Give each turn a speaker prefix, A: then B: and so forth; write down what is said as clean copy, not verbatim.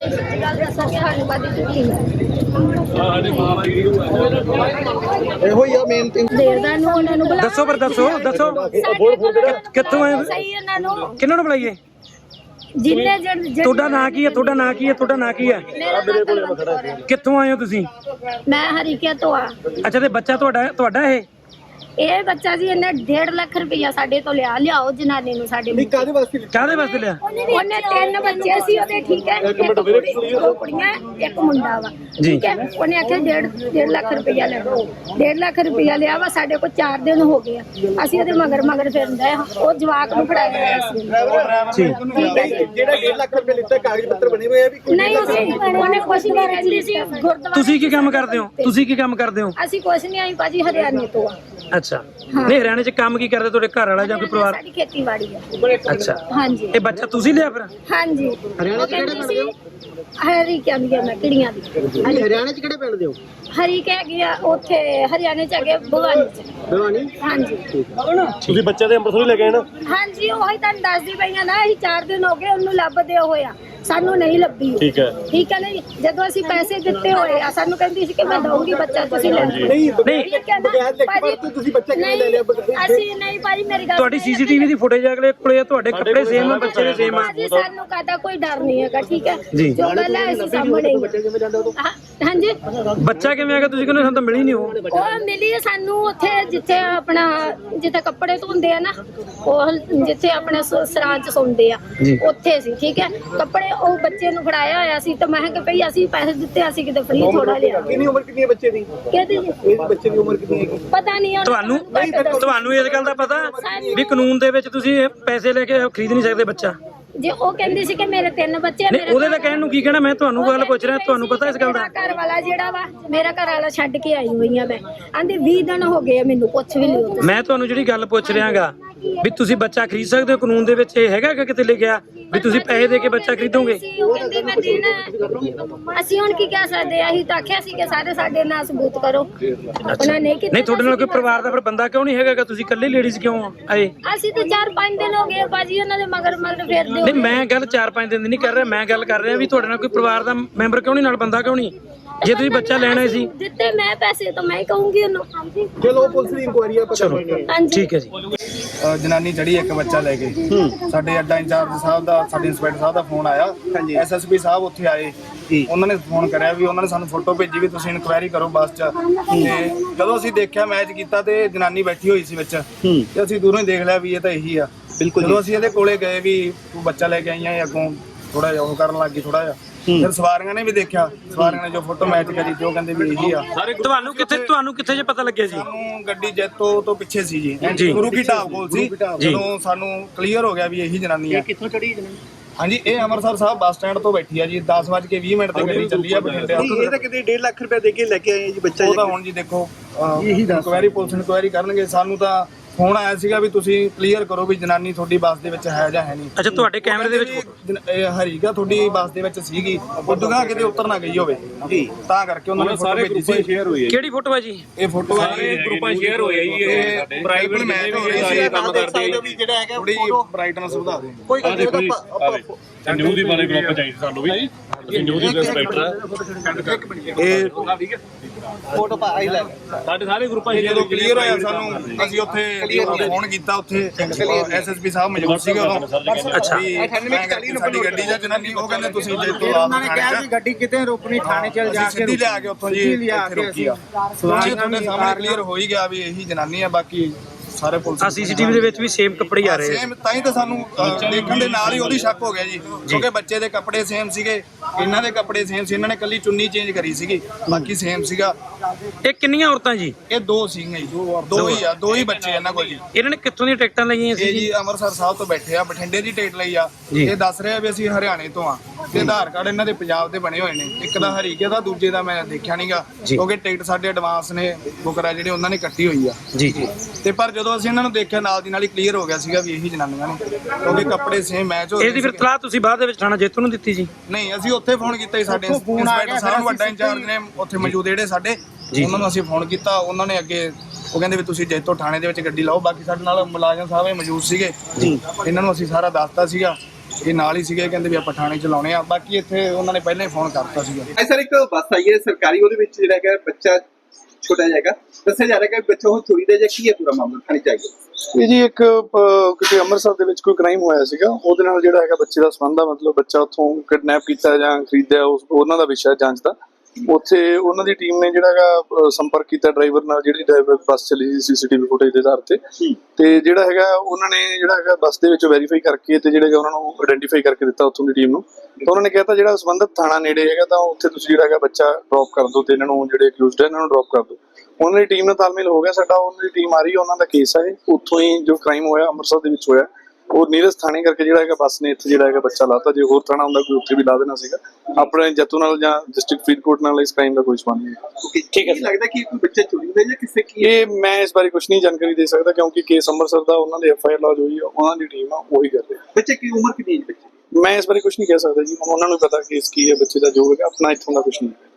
A: ਇਹੋ ਹੀ ਆ main thing.
B: ਦੱਸੋ ਪਰ ਦੱਸੋ ਕਿੱਥੋਂ ਆਏ? ਕਿਹਨਾਂ ਨੂੰ ਬੁਲਾਈਏ? ਤੁਹਾਡਾ ਨਾਂ ਕੀ ਹੈ? ਤੁਹਾਡਾ ਨਾਂ ਕੀ ਹੈ? ਤੁਹਾਡਾ ਨਾਂ ਕੀ ਹੈ? ਕਿੱਥੋਂ ਆਏ ਹੋ ਤੁਸੀਂ?
C: ਮੈਂ ਹਰੀਕੇ ਤੋਂ ਆ।
B: ਅੱਛਾ, ਤੇ ਬੱਚਾ ਤੁਹਾਡਾ
C: ਇਹ ਬੱਚਾ ਜੀ ਇਹਨੇ 1.5 ਲੱਖ ਰੁਪਇਆ ਸਾਡੇ ਤੋਂ ਲਿਆਓ ਜਨਾਨੀ ਨੂੰ ਸਾਡੇ ਨੂੰ।
A: ਕਾਹਦੇ ਵਾਸਤੇ
B: ਲਿਆ?
C: ਉਹਨੇ 3 ਬੱਚੇ ਸੀ ਉਹਦੇ, ਠੀਕ ਹੈ, ਇੱਕ ਕੁੜੀ 2 ਕੁੜੀਆਂ ਇੱਕ ਮੁੰਡਾ ਵਾ, ਠੀਕ ਹੈ। ਉਹਨੇ ਆਖਿਆ 1.5 ਲੱਖ ਰੁਪਇਆ ਲੈ ਲਓ। 1.5 ਲੱਖ ਰੁਪਇਆ ਲਿਆ ਵਾ। ਸਾਡੇ ਕੋਲ 4 ਦਿਨ ਹੋ ਗਏ ਅਸੀਂ ਉਹਦੇ ਮਗਰ ਫਿਰਦੇ ਆ। ਉਹ ਜਵਾਕ ਨੂੰ ਫੜਾਇਆ ਹੋਇਆ ਸੀ।
A: ਜਿਹੜਾ 1.5 ਲੱਖ ਰੁਪਏ ਲਿੱਤਾ ਕਾਗਜ਼ ਪੱਤਰ ਬਣੇ ਹੋਏ ਆ ਵੀ
C: ਨਹੀਂ, ਉਹਨੇ ਕੁਛ ਨਹੀਂ ਰਹਿੰਦੀ ਸੀ ਗੁਰਦੁਆਰਾ।
B: ਤੁਸੀਂ ਕੀ ਕੰਮ ਕਰਦੇ ਹੋ?
C: ਅਸੀਂ ਕੁਛ ਨਹੀਂ ਆਈ ਭਾਜੀ, ਹਰਿਆਣੇ ਤੋਂ ਆ।
B: ਅੱਛਾ, ਨਹੀਂ ਹਰਿਆਣੇ ਚ ਕੰਮ ਕੀ ਕਰਦੇ ਤੁਹਾਡੇ ਘਰ ਵਾਲਾ ਜਾਂ ਕੋਈ ਪਰਿਵਾਰ?
C: ਸਾਡੀ ਖੇਤੀਬਾੜੀ ਆ।
B: ਅੱਛਾ,
C: ਹਾਂਜੀ।
B: ਇਹ ਬੱਚਾ ਤੁਸੀਂ ਲਿਆ ਫਿਰ?
C: ਹਾਂਜੀ।
A: ਹਰਿਆਣੇ ਚ ਕਿਹੜੇ ਪਿੰਡ ਦੇ ਹੋ?
C: ਹਰੀਕਿਆਂ ਦੀ ਮੈਂ ਕਿੜੀਆਂ ਦੀ।
A: ਹਰਿਆਣੇ ਚ ਕਿਹੜੇ ਪਿੰਡ ਦੇ ਹੋ?
C: ਹਰੀਕੇ ਹੈਗੀ ਆ ਉੱਥੇ, ਹਰਿਆਣੇ ਚ ਹੈਗੇ ਭਵਾਨੀ ਚ।
A: ਭਵਾਨੀ?
C: ਹਾਂਜੀ।
B: ਤੁਸੀਂ ਬੱਚੇ ਦੇ ਅੰਮ੍ਰਿਤਸਰ ਲੈ ਗਏ ਨਾ?
C: ਹਾਂਜੀ, ਉਹੀ ਤੁਹਾਨੂੰ ਦੱਸਦੀ ਪਈਆਂ ਨਾ। ਅਸੀਂ 4 ਦਿਨ ਹੋ ਗਏ ਉਹਨੂੰ ਲੱਭਦੇ ਹੋਇਆ, ਸਾਨੂੰ ਨਹੀਂ ਲੱਭੀ। ਠੀਕ ਹੈ ਨਹੀਂ। ਜਦੋਂ ਅਸੀਂ ਪੈਸੇ ਦਿੱਤੇ ਹੋਏ ਆ, ਸਾਨੂੰ ਕਹਿੰਦੀ ਸੀ ਕਿ ਮੈਂ ਦਊਂਗੀ ਬੱਚਾ, ਤੁਸੀਂ ਲੈ ਲਓ।
A: ਨਹੀਂ, ਬਗੈਰ ਲਿਖ ਤੁਸੀਂ ਬੱਚਾ ਕਿਵੇਂ ਲੈ ਲਿਆ?
C: ਅਸੀਂ ਨਹੀਂ ਭਾਜੀ, ਮੇਰੀ ਗੱਲ।
B: ਤੁਹਾਡੀ ਸੀਸੀਟੀਵੀ ਦੀ ਫੁਟੇਜ ਅਗਲੇ ਕੋਲੇ ਆ, ਤੁਹਾਡੇ ਕੱਪੜੇ ਸੇਮ ਆ, ਬੱਚੇ ਦੇ ਸੇਮ ਆ।
C: ਭਾਜੀ ਸਾਨੂੰ ਕਾਹਦਾ ਕੋਈ ਡਰ ਨਹੀਂ ਹੈਗਾ, ਠੀਕ ਹੈ। ਜੋ ਗੱਲ ਹੈ ਅਸੀਂ ਸਾਹਮਣੇ ਹਾਂਜੀ।
B: ਬੱਚਾ ਕਿਵੇਂ ਆ ਗਿਆ? ਤੁਸੀਂ ਕਹਿੰਦੇ ਸਾਨੂੰ ਤਾਂ ਮਿਲੀ ਨਹੀਂ।
C: ਉਹ ਮਿਲੀ ਸਾਨੂੰ ਉੱਥੇ ਜਿੱਥੇ ਕੱਪੜੇ ਧੋਂਦੇ ਆ ਨਾ, ਉਹ ਜਿੱਥੇ ਆਪਣੇ ਸਰਾਂ ਚ ਸੌਂਦੇ ਆ, ਉੱਥੇ ਸੀ, ਠੀਕ ਹੈ। ਕੱਪੜੇ ਉਹ ਬੱਚੇ ਨੂੰ ਫੜਾਇਆ ਹੋਇਆ ਸੀ, ਤਾਂ ਮੈਂ ਕਿਹਾ ਭਈ ਅਸੀਂ ਪੈਸੇ ਦਿੱਤੇ, ਅਸੀਂ ਕਿਤੇ ਫ੍ਰੀ ਥੋੜਾ ਲਿਆ।
A: ਕਿੰਨੀ ਉਮਰ ਕਿੰਨੀ ਹੈ ਬੱਚੇ ਦੀ?
C: ਕਿਹਦੀ ਜੀ?
A: ਇਸ ਬੱਚੇ ਦੀ ਉਮਰ ਕਿੰਨੀ ਹੈ?
C: ਪਤਾ ਨਹੀਂ
B: ਤੁਹਾਨੂੰ ਇਸ ਗੱਲ ਦਾ ਪਤਾ ਵੀ ਕਾਨੂੰਨ ਦੇ ਵਿੱਚ ਤੁਸੀਂ ਪੈਸੇ ਲੈ ਕੇ ਖਰੀਦ ਨਹੀਂ ਸਕਦੇ ਬੱਚਾ?
C: ਜੇ ਉਹ ਕਹਿੰਦੀ ਸੀ ਕਿ ਮੇਰੇ 3 ਬੱਚੇ,
B: ਨਹੀਂ ਉਹਦੇ ਤਾਂ ਕਹਿਣ ਨੂੰ ਕੀ ਕਹਿਣਾ, ਮੈਂ ਤੁਹਾਨੂੰ ਗੱਲ ਪੁੱਛ ਰਿਹਾ, ਤੁਹਾਨੂੰ ਪਤਾ ਇਸ ਗੱਲ ਦਾ?
C: ਘਰ ਵਾਲਾ ਜਿਹੜਾ ਵਾ, ਮੇਰਾ ਘਰ ਵਾਲਾ ਛੱਡ ਕੇ ਆਈ ਹੋਈ ਆ ਮੈਂ। ਆਂਦੇ 20 ਦਿਨ ਹੋ ਗਏ ਮੈਨੂੰ, ਪੁੱਛ ਵੀ ਲਿਓ।
B: ਮੈਂ ਤੁਹਾਨੂੰ ਜਿਹੜੀ ਗੱਲ ਪੁੱਛ ਰਿਹਾਗਾ ਵੀ ਤੁਸੀਂ ਬੱਚਾ ਖਰੀਦ ਸਕਦੇ ਹੋ, ਕਾਨੂੰਨ ਦੇ ਵਿੱਚ ਇਹ ਹੈਗਾ ਕਿ ਕਿਤੇ ਲਿਖਿਆ ਵੀ ਤੁਸੀਂ ਪੈਸੇ ਦੇ ਕੇ ਬੱਚਾ ਖਰੀਦੋਗੇ?
C: ਉਹ ਕਹਿੰਦੀ ਮੈਂ ਦੇਣਾ। ਅਸੀਂ ਹੁਣ ਕੀ ਕਹਿ ਸਕਦੇ ਆ? ਅਸੀਂ ਤਾਂ ਆਖਿਆ ਸੀ ਕਿ ਸਾਡੇ ਨਾਲ ਸਬੂਤ ਕਰੋ। ਉਹਨਾਂ ਨੇ ਕੀਤਾ।
B: ਨਹੀਂ, ਤੁਹਾਡੇ ਨਾਲ ਕੋਈ ਪਰਿਵਾਰ ਦਾ ਫਿਰ ਬੰਦਾ ਕਿਉਂ ਨਹੀਂ ਹੈਗਾ? ਤੁਸੀਂ ਇਕੱਲੇ ਲੇਡੀਜ਼ ਕਿਉਂ ਆਏ?
C: ਅਸੀਂ ਤਾਂ 4-5 ਦਿਨ ਹੋ ਗਏ ਭਾਜੀ ਉਹਨਾਂ ਦੇ ਮਗਰ ਫਿਰਦੇ।
B: ਨਹੀਂ, ਮੈਂ ਗੱਲ 4-5 ਦਿਨ ਦੀ ਨਹੀਂ ਕਰ ਰਿਹਾ, ਮੈਂ ਗੱਲ ਕਰ ਰਿਹਾ ਵੀ ਤੁਹਾਡੇ ਨਾਲ ਕੋਈ ਪਰਿਵਾਰ ਦਾ ਮੈਂਬਰ ਕਿਉਂ ਨਹੀਂ, ਨਾਲ ਬੰਦਾ ਕਿਉਂ ਨਹੀਂ? ਜੇ ਤੁਸੀਂ ਬੱਚਾ ਲੈਣਾ ਸੀ
C: ਦਿੱਤੇ ਮੈਂ ਪੈਸੇ, ਤਾਂ ਮੈਂ ਹੀ ਕਹੂੰਗੀ ਉਹਨੂੰ।
A: ਚਲੋ ਪੁਲਿਸ ਦੀ ਇਨਕੁਆਇਰੀ ਆ, ਪਤਾ ਲੱਗੇਗਾ।
B: ਠੀਕ ਹੈ ਜੀ।
D: ਜਨਾਨੀ ਚੜੀ ਇੱਕ ਬੱਚਾ ਲੈ ਕੇ, ਸਾਡੇ ਅੱਡਾ ਇੰਚਾਰਜ ਸਾਹਿਬ ਦਾ, ਸਾਡੇ ਇੰਸਪੈਕਟਰ ਸਾਹਿਬ ਦਾ ਫੋਨ ਆਇਆ। ਐਸਐਸਪੀ ਸਾਹਿਬ ਉੱਥੇ ਆਏ, ਉਹਨਾਂ ਨੇ ਫੋਨ ਕਰਿਆ ਵੀ ਉਹਨਾਂ ਨੇ ਸਾਨੂੰ ਫੋਟੋ ਭੇਜੀ ਵੀ ਤੁਸੀਂ ਇਨਕੁਆਇਰੀ ਕਰੋ ਬੱਸ 'ਚ। ਤੇ ਜਦੋਂ ਅਸੀਂ ਦੇਖਿਆ, ਮੈਚ ਕੀਤਾ ਤੇ ਜਨਾਨੀ ਬੈਠੀ ਹੋਈ ਸੀ ਵਿੱਚ, ਤੇ ਅਸੀਂ ਦੂਰੋਂ ਹੀ ਦੇਖ ਲਿਆ ਵੀ ਇਹ ਤਾਂ ਇਹੀ ਆ। ਬਿਲਕੁਲ। ਜਦੋਂ ਅਸੀਂ ਇਹਦੇ ਕੋਲੇ ਗਏ ਵੀ ਤੂੰ ਬੱਚਾ ਲੈ ਕੇ ਆਈ ਆ, ਅੱਗੋਂ ਥੋੜਾ ਜਿਹਾ ਉਹ ਕਰਨ ਲੱਗ ਗਈ ਥੋੜਾ ਜਿਹਾ। ਫਿਰ ਸਵਾਰੀਆਂ ਨੇ ਵੀ ਦੇਖਿਆ, ਸਵਾਰੀਆਂ ਨੇ ਜੋ ਫੋਟੋ ਮੈਚ ਕਰੀ ਤੇ ਉਹ ਕਹਿੰਦੇ ਵੀ ਇਹੀ ਆ।
B: ਤੁਹਾਨੂੰ ਕਿੱਥੇ ਜੇ ਪਤਾ ਲੱਗਿਆ ਜੀ?
D: ਸਾਨੂੰ ਗੱਡੀ ਜੈਤੋ ਤੋਂ ਪਿੱਛੇ ਸੀ ਜੀ, ਗੁਰੂ ਕੀ ਢਾਬ ਕੋਲ ਸੀ। ਜਦੋਂ ਸਾਨੂੰ ਕਲੀਅਰ ਹੋ ਗਿਆ ਵੀ ਇਹੀ ਜਨਾਨੀ ਆ।
A: ਕਿੱਥੋਂ ਚੜੀ ਜਨਾਨੀ?
D: ਹਾਂਜੀ, ਇਹ ਅੰਮ੍ਰਿਤਸਰ ਸਾਹਿਬ ਬੱਸ ਸਟੈਂਡ ਤੋਂ ਬੈਠੀ ਆ ਜੀ। 10:20 ਤੇ ਗੱਡੀ ਚੱਲੀ ਆ ਬਠਿੰਡੇ।
A: ਇਹ ਤਾਂ ਕਿਤੇ 1.5 ਲੱਖ ਰੁਪਏ ਦੇ ਕੇ ਲੈ ਕੇ ਆਏ ਜੀ ਬੱਚਾ।
D: ਉਹ ਤਾਂ ਹੁਣ ਜੀ ਦੇਖੋ, ਇਨਕੁਆਇਰੀ ਪੁਲਿਸ ਇਨਕੁਆਇਰੀ ਕਰਨਗੇ। ਸਾਨੂੰ ਤਾਂ ਫੋਨ ਆਇਆ ਸੀਗਾ ਵੀ ਤੁਸੀਂ ਕਲੀਅਰ ਕਰੋ ਵੀ ਜਨਾਨੀ ਤੁਹਾਡੀ ਬੱਸ ਦੇ ਵਿੱਚ ਹੈ ਜਾਂ ਹੈ ਨਹੀਂ।
B: ਅੱਛਾ, ਤੁਹਾਡੇ ਕੈਮਰੇ ਦੇ ਵਿੱਚ
D: ਹਰੀਗਾ ਤੁਹਾਡੀ ਬੱਸ ਦੇ ਵਿੱਚ ਸੀਗੀ, ਉਦੋਂ ਕਿਤੇ ਉਤਰ ਨਾ ਗਈ ਹੋਵੇ ਜੀ, ਤਾਂ ਕਰਕੇ ਉਹਨਾਂ ਨੇ ਸਾਰੇ ਗਰੁੱਪਾਂ ਸ਼ੇਅਰ ਹੋਈ ਹੈ।
B: ਕਿਹੜੀ ਫੋਟੋ ਹੈ ਜੀ?
D: ਇਹ ਫੋਟੋ ਸਾਰੇ ਗਰੁੱਪਾਂ ਸ਼ੇਅਰ ਹੋਈ ਹੈ ਜੀ। ਇਹ ਪ੍ਰਾਈਵੇਟ ਮੈਚ ਹੋ ਰਹੀ ਸੀ, ਕੰਮ ਕਰਦੇ ਵੀ ਜਿਹੜਾ ਹੈਗਾ ਥੋੜੀ ਬ੍ਰਾਈਟਨੈਸ ਵਧਾ ਦੇ।
A: ਕੋਈ ਗੱਲ ਨਹੀਂ,
E: ਨਿਊ ਦੀ ਬਾਰੇ ਗਰੁੱਪ ਚਾਹੀਦੀ ਸਾਨੂੰ ਵੀ। ਅਸੀਂ ਨਿਊ ਦੀ ਇੰਸਪੈਕਟਰ ਆ। ਇਹ
A: ਫੋਟੋ ਪਾ ਆਈ ਲੈ
E: ਸਾਡੇ ਸਾਰੇ ਗਰੁੱਪਾਂ
D: ਜਦੋਂ ਕਲੀਅਰ ਹੋਇਆ ਸਾਨੂੰ, ਅਸੀਂ ਉੱਥੇ ਫੋਨ ਕੀਤਾ, ਉੱਥੇ ਐਸਐਸਪੀ ਸਾਹਿਬ ਮੌਜੂਦ ਸੀਗੇ ਉਦੋਂ।
B: ਅੱਛਾ,
D: ਸਾਡੀ ਗੱਡੀ ਜਾਂ ਜਨਾਨੀ, ਉਹ ਕਹਿੰਦੇ ਤੁਸੀਂ ਜੇ ਤੋਂ ਆਪ ਥਾਣੇ 'ਚ
A: ਗੱਡੀ ਕਿਤੇ ਰੋਕਣੀ, ਥਾਣੇ ਚਲ ਜਾ ਕੇ
D: ਸਿੱਧੀ ਲਿਆ ਕੇ ਉੱਥੋਂ ਜੀ ਇੱਥੇ ਰੋਕੀ ਆ। ਤੁਹਾਡੇ ਸਾਹਮਣੇ ਕਲੀਅਰ ਹੋ ਹੀ ਗਿਆ ਵੀ ਇਹੀ ਜਨਾਨੀ ਆ। ਬਾਕੀ ਸਾਰੇ ਪੁਲਿਸ
B: ਸੀਸੀਟੀਵੀ ਦੇ ਵਿੱਚ ਵੀ ਸੇਮ ਕੱਪੜੇ ਆ ਰਹੇ
D: ਸੇਮ, ਤਾਂ ਹੀ ਤਾਂ ਸਾਨੂੰ ਦੇਖਣ ਦੇ ਨਾਲ ਹੀ ਉਹਦੀ ਸ਼ੱਕ ਹੋ ਗਿਆ ਜੀ, ਕਿਉਂਕਿ ਬੱਚੇ ਦੇ ਕੱਪੜੇ ਸੇਮ ਸੀਗੇ, ਇਹਨਾਂ ਦੇ ਕੱਪੜੇ ਸੇਮ ਸੀ। ਇਹਨਾਂ ਨੇ ਕੱਲੀ ਚੁੰਨੀ ਚੇਂਜ ਕਰੀ ਸੀਗੀ, ਬਾਕੀ ਸੇਮ ਸੀਗਾ।
B: ਇਹ ਕਿੰਨੀਆਂ ਔਰਤਾਂ ਜੀ?
D: ਇਹ 2 ਸੀਗੀਆਂ ਜੀ, 2 ਹੀ ਬੱਚੇ ਇਹਨਾਂ ਕੋਲ ਜੀ।
B: ਇਹਨਾਂ ਨੇ ਕਿੱਥੋਂ ਦੀਆਂ ਟਿਕਟਾਂ ਲਈਆਂ ਸੀ
D: ਇਹ ਜੀ ਅੰਮ੍ਰਿਤਸਰ ਸਾਹਿਬ ਤੋਂ ਬੈਠੇ ਆ, ਬਠਿੰਡੇ ਦੀ ਟਿਕਟ ਲਈ ਆ। ਇਹ ਦੱਸ ਰਿਹਾ ਵੀ ਅਸੀਂ ਹਰਿਆਣੇ ਤੋਂ ਆ, ਤੇ ਆਧਾਰ ਕਾਰਡ ਇਹਨਾਂ ਦੇ ਪੰਜਾਬ ਦੇ ਬਣੇ ਹੋਏ ਨੇ। ਇੱਕ ਦਾ ਹਰੀਕੇ ਦਾ, ਦੂਜੇ ਦਾ ਮੈਂ ਦੇਖਿਆ ਨਹੀਂਗਾ, ਕਿਉਂਕਿ ਟਿਕਟ ਸਾਡੇ ਐਡਵਾਂਸ ਨੇ ਬੁਕਰਾ ਜਿਹੜੇ ਉਹਨਾਂ ਨੇ ਕੱਟੀ ਹੋਈ ਆ
B: ਜੀ।
D: ਤੇ ਪਰ ਜਦੋਂ ਅਸੀਂ ਇਹਨਾਂ ਨੂੰ ਦੇਖਿਆ, ਨਾਲ ਦੀ ਨਾਲ ਹੀ ਕਲੀਅਰ ਹੋ ਗਿਆ ਸੀਗਾ ਵੀ ਇਹੀ ਜਨਾਨੀਆਂ ਨੇ, ਕਿਉਂਕਿ ਕੱਪੜੇ ਸੇਮ ਮੈਚ ਹੋ ਰਹੇ।
B: ਇਹਦੀ ਫਿਰ ਤਲਾਹ ਤੁਸੀਂ ਬਾਅਦ ਦੇ ਵਿੱਚ ਥਾਣਾ ਜੈਤੋ ਨੂੰ ਦਿੱਤੀ ਜੀ?
D: ਨਹੀਂ, ਅਸੀਂ ਉੱਥੇ ਫੋਨ ਕੀਤਾ ਜੀ, ਸਾਡੇ ਇੰਸਪੈਕਟਰ ਸਾਹਿਬ ਨੂੰ, ਵੱਡਾ ਇੰਚਾਰਜ ਨੇ ਉੱਥੇ ਮੌਜੂਦ ਜਿਹੜੇ ਸਾਡੇ, ਉਹਨਾਂ ਨੂੰ ਅਸੀਂ ਫੋਨ ਕੀਤਾ। ਉਹਨਾਂ ਨੇ ਅੱਗੇ ਉਹ ਕਹਿੰਦੇ ਵੀ ਤੁਸੀਂ ਜੈਤੋ ਥਾਣੇ ਦੇ ਵਿੱਚ ਗੱਡੀ ਲਾਓ। ਬਾਕੀ ਸਾਡੇ ਨਾਲ ਮੁਲਾਜ਼ਮ ਸਾਹਿਬ ਮੌਜੂਦ ਸੀਗੇ, ਇਹਨਾਂ ਨੂੰ ਅਸੀਂ ਸਾਰਾ ਦੱਸਤਾ ਸੀਗਾ। ਇਹ ਨਾਲ ਹੀ ਸੀਗੇ, ਕਹਿੰਦੇ ਵੀ ਆਪਾਂ ਥਾਣੇ ਚ ਲਾਉਣੇ ਆ। ਬਾਕੀ ਇੱਥੇ ਉਹਨਾਂ ਨੇ ਪਹਿਲਾਂ ਹੀ ਫੋਨ ਕਰਤਾ ਸੀਗਾ।
A: ਸਰ ਇੱਕ ਬੱਸ ਆਈ ਹੈ ਸਰਕਾਰੀ, ਉਹਦੇ ਵਿੱਚ ਜਿਹੜਾ ਹੈਗਾ ਬੱਚਾ ਛੋਟਾ ਜਾਏਗਾ, ਦੱਸਿਆ ਜਾ ਰਿਹਾ ਕਿ ਬੱਚਾ ਉਹ ਚੋਰੀ ਦਾ ਜਾਂ ਕੀ ਹੈ ਪੂਰਾ ਮਾਮਲਾ ਥਾਣੇ ਚ ਆਏਗਾ।
F: ਇਹ ਜੀ ਇੱਕ ਕਿਤੇ ਅੰਮ੍ਰਿਤਸਰ ਦੇ ਵਿੱਚ ਕੋਈ ਕ੍ਰਾਈਮ ਹੋਇਆ ਸੀਗਾ, ਉਹਦੇ ਨਾਲ ਜਿਹੜਾ ਹੈਗਾ ਬੱਚੇ ਦਾ ਸੰਬੰਧ ਆ, ਮਤਲਬ ਬੱਚਾ ਉੱਥੋਂ ਕਿਡਨੈਪ ਕੀਤਾ ਜਾਂ ਖਰੀਦਿਆ, ਉਹਨਾਂ ਦਾ ਵਿਸ਼ਾ ਜਾਂਚ ਦਾ। ਉੱਥੇ ਉਹਨਾਂ ਦੀ ਟੀਮ ਨੇ ਜਿਹੜਾ ਹੈਗਾ ਸੰਪਰਕ ਕੀਤਾ ਡਰਾਈਵਰ ਨਾਲ, ਜਿਹੜੀ ਡਰਾਈਵਰ ਬੱਸ ਚੱਲੀ ਸੀ ਸੀਸੀਟੀਵੀ ਫੁਟੇਜ ਦੇ ਆਧਾਰ ਤੇ ਜਿਹੜਾ ਹੈਗਾ ਉਹਨਾਂ ਨੇ ਜਿਹੜਾ ਹੈਗਾ ਬੱਸ ਦੇ ਵਿੱਚ ਵੈਰੀਫਾਈ ਕਰਕੇ ਤੇ ਜਿਹੜਾ ਉਹਨਾਂ ਨੂੰ ਆਇਡੈਂਟੀਫਾਈ ਕਰਕੇ ਦਿੱਤਾ ਉੱਥੋਂ ਦੀ ਟੀਮ ਨੂੰ। ਤਾਂ ਉਹਨਾਂ ਨੇ ਕਹਿਤਾ ਜਿਹੜਾ ਸੰਬੰਧਿਤ ਥਾਣਾ ਨੇੜੇ ਹੈਗਾ ਤਾਂ ਉੱਥੇ ਤੁਸੀਂ ਜਿਹੜਾ ਹੈਗਾ ਬੱਚਾ ਡ੍ਰੌਪ ਕਰ ਦਿਓ ਤੇ ਇਹਨਾਂ ਨੂੰ ਜਿਹੜੇ ਅਕਿਊਜ਼ਡ ਹੈ ਇਹਨਾਂ ਨੂੰ ਡ੍ਰੌਪ ਕਰ ਦਿਓ। ਉਹਨਾਂ ਦੀ ਟੀਮ ਨਾਲ ਤਾਲਮੇਲ ਹੋ ਗਿਆ ਸਾਡਾ, ਉਹਨਾਂ ਦੀ ਟੀਮ ਆ ਰਹੀ ਹੈ, ਉਹਨਾਂ ਦਾ ਕੇਸ ਹੈ ਉੱਥੋਂ ਹੀ ਜੋ ਕ੍ਰਾਈਮ ਹੋਇਆ ਅੰਮ੍ਰਿਤਸਰ ਦੇ ਵਿੱਚ ਹੋਇਆ, ਉਹ ਨੀਰਜ ਥਾਣੇ ਕਰਕੇ ਜਿਹੜਾ ਹੈਗਾ ਬੱਸ ਨੇ ਇੱਥੇ ਜਿਹੜਾ ਹੈਗਾ ਬੱਚਾ ਲਾਤਾ। ਜੇ ਹੋਰ ਥਾਣਾ ਹੁੰਦਾ ਕੋਈ ਉੱਥੇ ਵੀ ਲਾ ਦੇਣਾ ਸੀਗਾ। ਆਪਣੇ ਜੱਤੂ ਨਾਲ ਜਾਂ ਡਿਸਟ੍ਰਿਕਟ ਫਰੀਦਕੋਟ ਨਾਲ ਇਸ ਕ੍ਰਾਈਮ ਦਾ ਕੋਈ ਸੰਬੰਧ ਨਹੀਂ।
A: ਠੀਕ ਹੈ, ਲੱਗਦਾ ਕਿ ਕੋਈ ਬੱਚਾ ਚੋਰੀ ਦਾ ਜਾਂ ਕਿਸੇ ਕੀ
F: ਇਹ ਮੈਂ ਇਸ ਬਾਰੇ ਕੁਝ ਨਹੀਂ ਜਾਣਕਾਰੀ ਦੇ ਸਕਦਾ ਕਿਉਂਕਿ ਕੇਸ ਅੰਮ੍ਰਿਤਸਰ ਦਾ ਉਹਨਾਂ ਦੇ FIR ਲੌਜ ਹੋਈ ਹੈ, ਉਹਨਾਂ ਦੀ ਟੀਮ ਆ ਉਹੀ ਕਰ ਰਹੀ ਹੈ।
A: ਬੱਚੇ ਕੀ ਉਮਰ ਕਿੰਨੀ ਹੈ ਬੱਚੇ?
F: ਮੈਂ ਇਸ ਬਾਰੇ ਕੁਝ ਨਹੀਂ ਕਹਿ ਸਕਦਾ ਜੀ, ਉਹਨਾਂ ਨੂੰ ਪਤਾ ਕੇਸ ਕੀ ਹੈ ਬੱਚੇ ਦਾ, ਜੋ ਹੈਗਾ ਆਪਣਾ ਇੱਥੋਂ ਦਾ ਕੁਝ ਨਹੀਂ।